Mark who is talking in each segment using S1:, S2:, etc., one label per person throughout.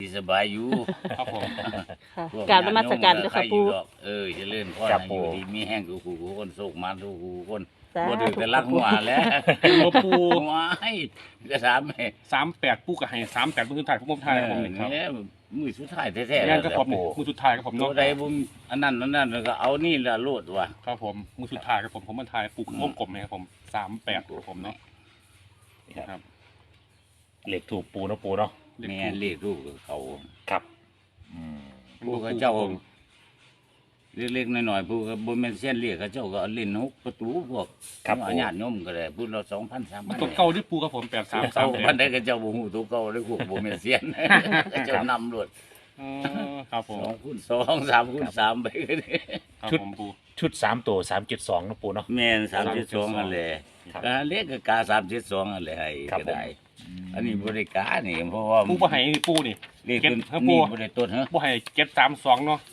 S1: สบายอยู่
S2: ครับผม
S3: ค่ะกราบนมัสการเจ้าค่ะปู่
S1: เจะเลื่อนพ่อ
S4: ครับ
S1: ให้อ
S4: ปู่
S1: ยู่ดีมีแห้งกูคนโศกมาทุกคน
S3: สาธุ
S1: บ่ดื้อแต่รักหัวแล้ว
S2: มาปู
S1: หัวให้จะถามแม่
S2: 38ปูกับให้38มือสุดท้ายผมถ่ายผมนี่ครับ
S1: เนี่ยมือสุดท้ายแท้ๆ
S2: งานกับผมนี่มือสุดท้ายกับผม
S1: ตัว
S2: เนาะ
S1: ใดบุมอันนั้นแล้วก็เอานี่ละโลดว่ะ
S2: ครับผมมือสุดท้ายกับผมมาถ่ายปูวงกลมนะครับผม38กับผมเนาะ
S4: นี่ครับ
S2: ครับ
S4: เหล็กถูกปูเนาะปูเนาะ
S1: แม่เรียกลูกเขา
S4: ครับอืม
S1: ผู้เขาเจ้าเล็กๆน้อยๆผู้ก็บ่แม่นเส้นเรียกเขาเจ้าก็เอาเล่นฮุกประตูพวกญาติโยมก็ได้พูดเรา2,000 3,000
S2: ตัวเก่าที่ปูกับผม
S1: พัน
S2: 8338
S1: ได้ก็เจ้าบ่ฮู้ตัวเก่าเลยพวกบ่แม่นเสียนเจ้านำรถ
S2: ครับผม
S1: 2คูณ2 3คูณ3ไปก็ได้
S2: ครับผมปู
S4: ชุด3ตัว372นะปูเนาะ
S1: แม่น3.2นั่นแหละ
S4: ครับ
S1: ก็เล็กก็กา3.2นั่นแหละให้
S4: ครับ
S1: ก็ได้
S4: ผม
S1: อันนี้บ่ได้กานี่เพราะว่า
S2: ปูบ่ให้ปูนี่
S1: เลข
S2: เก็บ
S1: ตัว
S2: ครับปู่
S1: นี้บ่ได้ต้นฮะ
S2: บ่ให้732เนาะ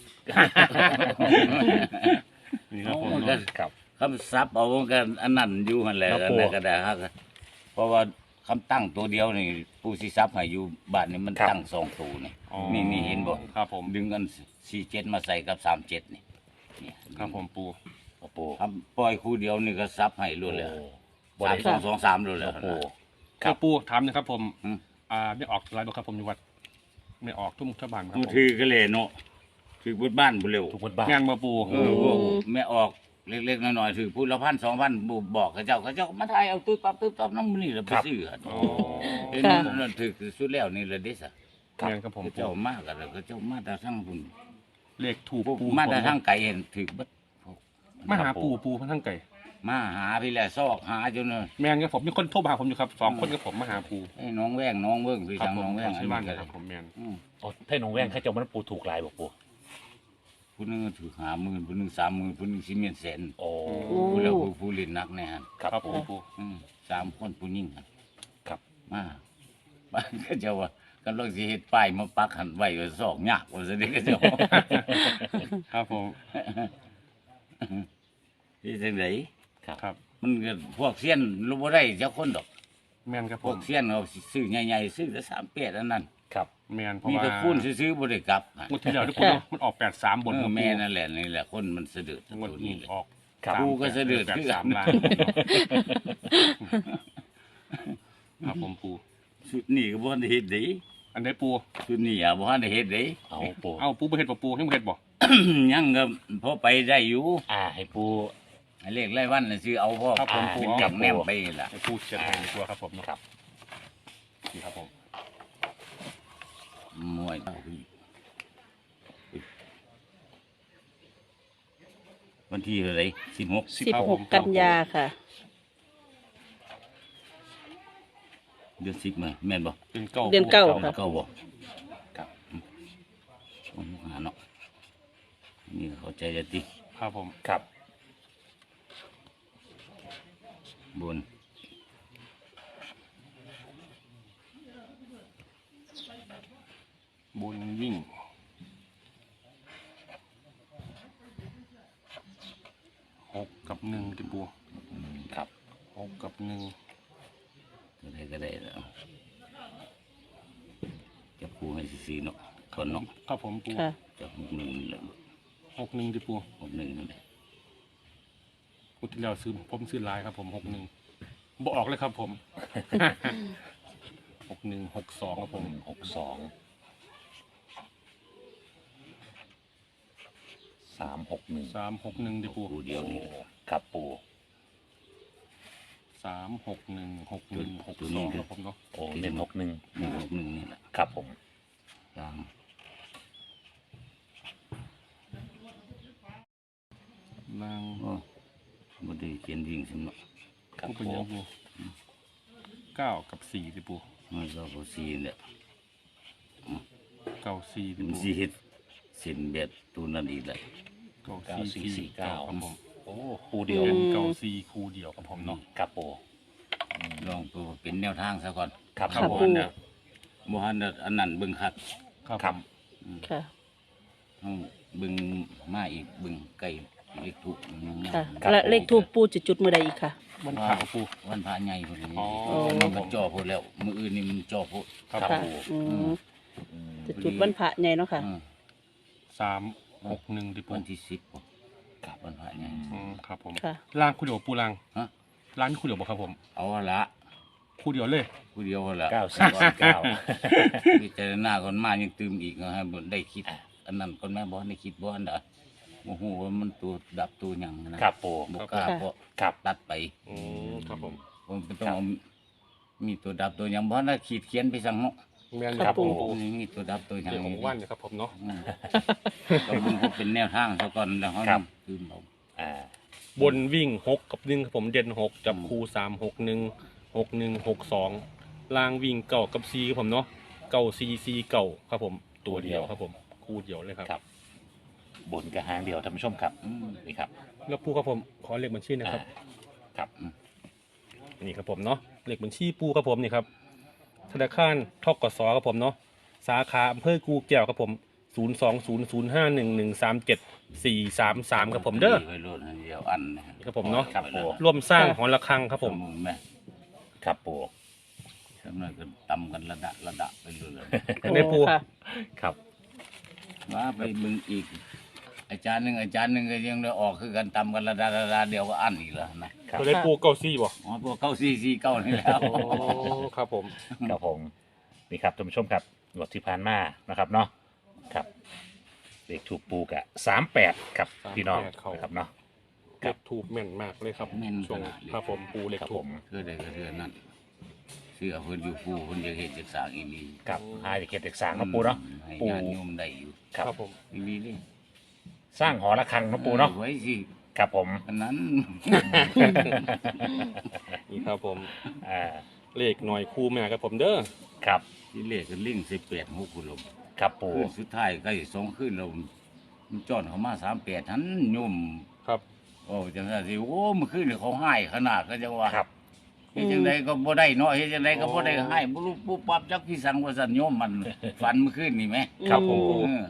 S2: นี่ครับผม
S1: มันก็
S2: เนาะ
S4: ครับ
S1: คำศัพท์เอากันอันนั้นอยู่หั่นแหละ
S4: ครับ
S1: อัน
S4: ปู่
S1: นั้นก็ได้ฮะเพราะว่าคำตั้งตัวเดียวนี่ผู้สิซับให้อยู่บ้านนี่มัน
S4: ครับ
S1: ตั้ง2ตัวนี่
S2: อ๋อ
S1: นี่เห็นบ่
S2: ครับผม
S1: ดึงกัน47มาใส่กับ37นี่นี่
S2: ครับผมปู
S4: ครับปู
S1: คำปล่อยคู่เดียวนี่ก็ซับให้รวดเลย
S4: บ่ได้
S1: 3 2 2 3รวดเลย
S4: ครับปู
S2: ครับปูถามนะครับผม
S1: อืม
S2: ไม่ออกไลน์บ่ครับผมอยู่วัดไม่ออกทุ่มชาวบ้านครับ
S1: กู
S2: ผม
S1: ถือก็เลยเนาะถือบุญบ้านบุเร็ว
S4: ทุกคนบ้าน
S2: งานมาปู
S1: ไม่ออกเล็กๆน้อยๆถือพูดละ1,000 2,000บุบอกเขาเจ้ามาถ่ายเอาตื้อปั๊บน้ำนี่แล้วไปซื้อ
S2: อ๋อ
S1: เห็นนั่นถือสุดแล้วนี่ละเด้ซะ
S2: งานครับผม
S1: เจ้ามากกันแล้วก็เจ้ามาแต่ทั้งพุ่น
S2: เลขถูกปู
S1: มาแต่ทั้งไก่เห็นถือบัด
S2: มาหาปูทั้งไก่
S1: มาหาพี่แหละซอกหาจน
S2: แมนครับผมมีคนโทรมาหาผมอยู่ครับ2 คนกับผมมาหาปู
S1: ไอ้น้องแว่งน้องเบิ่งพี่
S2: ครับ
S1: ทาง
S2: ผม
S1: น้องแว่ง
S2: ใช่บ้านกันครับผมแมน
S4: โอ้ถ้าหนูแว่งเขาเจะมันปูถูกลายบอกปู
S1: ผู้นึงถือ50,000ผู้นึง30,000ผู้นึง10,000แสน
S4: โอ้
S1: ผู้แล้วผู้เล่นนักแน่ฮะ
S4: ครับ
S2: ผ
S4: ปู
S2: มปู
S1: 3 คนผู้หญิงหั่น
S4: ครับ
S1: มาบ้านก็เจะว่ากันลองสิเฮ็ดป้ายมาปักหันไว้ก็ซอกยากว่าซะเด้ก็เจ้า
S2: ครับผม
S1: ที่จังได๋
S2: ครับ
S1: มันก็พวกเซียนรู้บ่ได้เจ้าคนดอก
S2: แมนครับ
S1: พ
S2: ผ
S1: ว
S2: ม
S1: กเซียนเอาซื้อใหญ่ๆซื้อแต่38อันนั้น
S4: ครับ
S2: แมนเพราะ
S1: มี
S2: ว่า
S1: แต่คูณซื้อๆบ่ได้กลับ
S2: งวดที่แล้วที่ปูเนาะมันออก83บน
S1: แม่นั่นแหละนี่แหละคนมันสะดุด
S2: งวด
S1: ตัว
S2: นี้
S1: นี้แหละ
S2: ออก
S4: ครับ
S1: ปูก็สะดุดคือกัน
S2: 3ล้านครับผมปู
S1: ชุดนี้ก็บ่ทันได้เฮ็ดเด้
S2: อันไหนปู
S1: ชุดนี้อ่ะบ่ทันได้เฮ็ดเด้
S4: เอาปู
S2: เอาปูบ่เฮ็ดบ่ปูยังบ่เฮ็ดบ่
S1: ยังก็พอไปได้อยู่
S4: ให้ปู
S1: ให้เลขรายวันน่ะซื้อเอาพอ
S2: ครับผมปู
S1: จับแนมไปล่ะ
S2: ให้ปูเขียนให้ในตัวครับผมเนาะ
S4: ครับ
S2: นี่ครับผม
S1: มวยเต้าพี่วันที่เท่าไหร่16
S3: 16 กันยาค่ะ
S1: เดือน10มั้ยแม่นบ่
S2: เป็นเก้า
S3: เดือนเก้า
S1: เก้าบ่
S4: ครับ
S1: หาเนาะนี่เข้าใจจะติ
S2: ครับผม
S4: ครับ
S1: บน
S2: บุญวิ่ง6 กับ 1ที่ปู
S4: ครับ
S2: 6 กับ 1
S1: ก็ได้แล้วจะปูให้ซีเนาะคนเนาะ
S2: ครับผมปู
S3: ค่ะ
S1: จะ61เลย
S2: 61ที่ปู
S1: 61นั่นแหละ
S2: ปูที่แล้วผมซื้อลายครับผม61บ่ออกเลยครับผม 61 62ครับผม
S4: 62 361
S2: 361ที่ปู
S1: ปูเดียวนี่
S4: ครับปู
S2: 361 61 62ครับผมเนาะ
S4: โอ้เน้น61
S1: 161นี่แหละ
S4: ครับผม
S1: ตาม
S2: นาง
S1: โอ้บ่ได้เขียนวิ่งสำเนาะ
S4: ครับ
S2: ปูเป็น
S4: ปู
S2: ยังปู9 กับ 4ที่ปู
S1: มันก็บ่ซีแหละ
S2: 9 4ที่
S1: มัน
S2: ปู
S1: สิเฮ็ดเส้นแบบตัวนั้นอีกแหละ
S2: 9449ครับผม
S4: โอ้ปูเดียว
S2: เป็น94คู่เดียวครับผมเนาะ
S4: ครับปู
S1: ลองตัวเป็นแนวทางซะก่อน
S4: ครับ
S3: ครับ
S4: ปู
S3: ปู
S1: บ่ทันได้อันนั้นเบิ่งคัก
S2: ครับ
S4: ครับ
S3: ค่ะ
S1: ต้องเบิ่งมาอีกเบิ่งไกลเลขถูกยังมา
S3: ค่ะและเลขทูปปูจะจุดเมื่อใดอีกค่ะ
S2: มันขาวปู
S1: วันพระใหญ่พุ่นนี้
S2: อ๋อ
S1: มันจ่อพุ่นแล้วมื้ออื่นนี่มันจ่อพุ่น
S2: ครับ
S3: ค่ะ
S2: ปู
S3: อืมจะจะจุดวันพระใหญ่เนาะค่ะ
S2: 361ดิปู
S1: วันที่10บ่กับวันพระใหญ่
S2: ครับผม
S3: ค่ะ
S2: ล่างคู่เดียวปูล่าง
S1: ฮะ
S2: ร้านคู่เดียวบ่ครับผม
S1: เอาละ
S2: คู่เดียวเลย
S1: ผู้เดียวละ
S4: 9449
S1: พิจารณาก่อนมายังตื่มอีกนะฮะบ่ได้คิด อันนั้นก่อนแม่บ่ได้คิดบ่อันใดโอ้โหว่ามันตัวดับตัวหยังนะครับ
S4: ปู
S1: บ่กล้าเพราะ
S4: ครับ
S1: ตัดไป
S2: ครับผม
S1: ผมต้องเอามีตัวดับตัวหยังบ่ได้ขีดเขียนไปสั่งเนาะ
S2: แม่น
S3: ครับ
S2: ปู
S3: ปู
S1: นี่มีตัวดับตัวหยัง
S2: เดี๋ยวของว่านนะครับผมเนาะ
S1: อืมก็มันก็เป็นแนวทางซะก่อนแล้วเฮาตื่มเอา
S4: อ่า
S2: บนวิ่ง6กับ1ครับผมเด่น6จับคู่3616162ล่างวิ่งเก่ากับ4ครับผมเนาะเก่า4เก่าครับผมตัวเดียวครับผมคู่เดียวเลยครับ
S4: ครับ บนกระหางเดียวท่านผู้ชมครับ
S1: อืม
S4: นี่ครับ
S2: แล้วปูครับผมขอเลขบัญชีนะครับ
S4: ครับ
S2: นี่ครับผมเนาะเลขบัญชีปูครับผมนี่ครับธนาคารทกสครับผมเนาะสาขาอำเภอกูแก้วครับผม02005113743ครับผมเด้อ
S1: ไว้โลดอันเดียวอันนะฮะ
S2: นี่ครับผมเนาะ
S4: ครับปู
S2: ร่วมสร้างหอระฆังครับผม
S1: แม่
S4: ครับปู
S1: สำนักก็ตำกันระดับไปเลย
S2: ได้ปู
S3: ค่ะ
S4: ครับ
S1: ว่าไปมึงอีก อาจารย์หนึ่งก็ยังได้ออกคือกันตำกันระดับเดียวก็อันอีกแล้วนะครับ
S2: ตัวได้ปูเก้าซี่บ่
S1: อ๋อพวกเข้าซีเก้านี่แล้ว
S2: โอ้ครับผม
S4: ครับผมนี่ครับท่านผู้ชมครับงวดที่ผ่านมานะครับเนาะครับเลขถูกปูกะ38ครับพี่น้องนะครับเนาะ
S2: เลขถูกแม่นมากเลยครับ
S1: แม่น
S2: ช่วง
S1: ขนาดเลย
S2: ครับผมปูเลข
S4: ครับ
S2: ถู
S4: ผ
S2: ก
S4: ม
S1: คือได้ก็คือนั่นเสื้อเพิ่นอยู่ผู้เพิ่นจะเฮ็ดจะสร้างอีนี่
S4: ครับหาจากเขตเด็กสร้างเนาะปูเนาะ
S1: ให้
S4: ปู่
S1: ญาติโยมได้อยู่
S4: ครับ
S2: ครับผม
S1: อีนี่นี่
S4: สร้างหอระฆังเนาะปูเนาะ
S1: ไว้สิ
S4: ครับผม
S1: อันนั้น
S2: นี่ครับผม
S4: อ่า
S2: เลขหน่อยคู่แม่ครับผมเด้อ
S4: ครับ
S1: ที่เลขก็ลิง18 6คุณลม
S4: ครับปู
S1: คืนสุดท้ายใกล้2คืนแล้วมันจ้อนเข้ามา38หันโยม
S2: ครับ
S1: โอ้จังซั่นสิโอ้เมื่อคืนนี่เขาให้ขนาดก็จังว่า
S4: ครับ
S1: เฮ็ดจังไดก็บ่ได้เนาะเฮ็ดจังไดก็บ่ได้ให้บ่รู้ปุ๊บปั๊บจักพี่สังว่าซั่นโยมมัน ฝันเมื่อคืนนี่แหม
S4: ครับผม
S1: เออ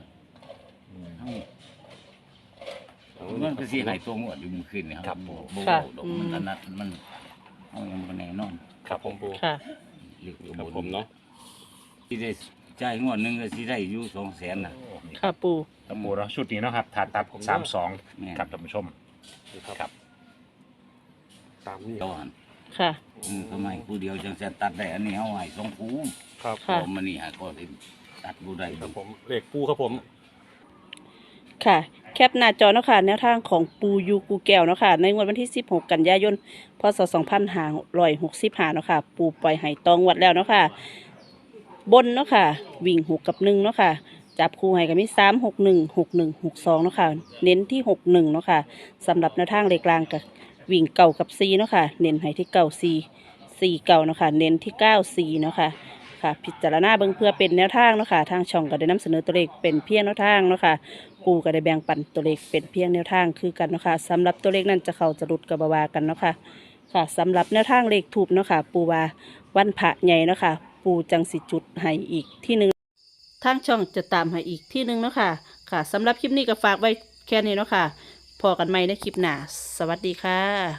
S1: มันก็สิให้ตัวงวดอยู่เมื่อคืนนี่
S4: ครับ
S1: บ่
S4: ผม
S1: บ่ดอกมันถนัดมันเอายังบ่แน่นอน
S2: ครับผมปู
S3: ค่ะ
S1: เรียก
S2: ครับผมเนาะ
S1: สิได้จ่ายงวดหนึงก็สิได้อยู่200,000น่ะ
S3: ค่ะปู
S4: ครับปูเนาะชุดนี้เนาะครับถาตัด
S1: แม่
S4: 32ครับท่านผู้ชม
S2: นี่ครับ
S4: ครับ
S2: ตามนี้
S1: เจ้าหัน
S3: ค่ะ
S1: ทำไมผู้เดียวจังซั่นตัดได้อันนี้เอาให้2คู่
S2: ครับ
S3: ค่ะ
S1: พอมันนี่หาก็สิตัดบ่ได้
S2: ครับผมเลขปูครับผม
S3: ค่ะ แคปหน้าจอเนาะค่ะแนวทางของปูยูกูแก้วเนาะค่ะในงวดวันที่ 16 กันยายน พศ 2565เนาะค่ะ ปูปล่อยไห้ตองวัดแล้วเนาะค่ะ บนเนาะค่ะ วิ่ง6กับ1เนาะค่ะ จับคู่ให้ก็มี3616162เนาะค่ะ เน้นที่61เนาะค่ะสำหรับแนวทางเลขกลางกับวิ่งเก่ากับ4เนาะค่ะ เน้นให้ที่เก่า4เก่าเนาะค่ะ เน้นที่94เนาะค่ะ ค่ะ พิจารณาเบิ่งเพื่อเป็นแนวทางเนาะค่ะ ทางช่องก็ได้นำเสนอตัวเลขเป็นเพียงแนวทางเนาะค่ะ ปูก็ได้แบ่งปันตัวเลขเป็นเพียงแนวทางคือกันเนาะค่ะสำหรับตัวเลขนั้นจะเข้าจะหลุดกับบาวากันเนาะค่ะค่ะสำหรับแนวทางเลขถูกเนาะค่ะ ปูว่าวันพระใหญ่เนาะค่ะ ปูจังสิจุดให้อีกที่หนึ่งทางช่องจะตามให้อีกที่หนึ่งเนาะค่ะค่ะสำหรับคลิปนี้ก็ฝากไว้แค่นี้เนาะค่ะพอกันใหม่ในคลิปหน้าสวัสดีค่ะ